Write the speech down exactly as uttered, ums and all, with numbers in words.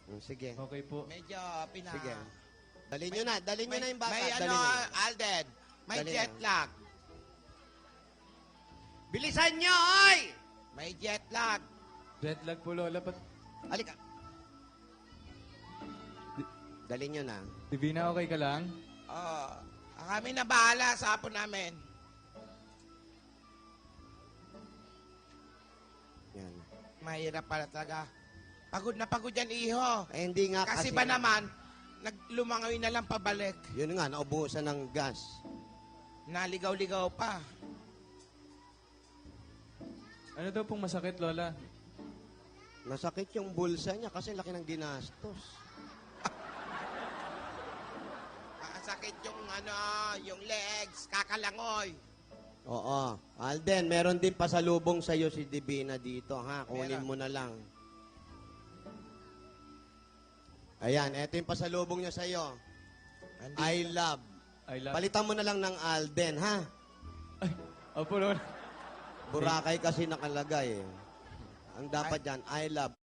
Mm, Sige. Okay po. Medyo pina... Sige. Dalhin nyo na. Dalhin nyo May, na yung bata. may ano, Dalhin nyo na. Alden, may Dali jet na. lag. Bilisan nyo, oy! May jet lag. Jet lag po, Lola. Ba't Halika. Dalhin nyo na. Divina, okay ka lang? Oh, kami na bahala sa apo namin. Yan. Mahirap pala talaga. Pagod na pagod yan, iho. Eh, hindi nga kasi. Kasi ba naman, naglumangoy na lang pabalik. Yun nga, naubusan ng gas. Naligaw-ligaw pa. Ano daw pong masakit, Lola? Nasakit yung bulsa niya kasi laki ng ginastos. Sakit yung ano, yung legs, kakalangoy. Oo. Alden, meron din pasalubong sa'yo si Divina dito, ha? Kunin Meron. mo na lang. Ayan, eto yung pasalubong niya sa'yo. Andito. I love. I love... Palitan mo na lang ng Alden, ha? Ay, opo, Lola. Boracay kasi nakalagay, eh. Ang dapat dyan, I love.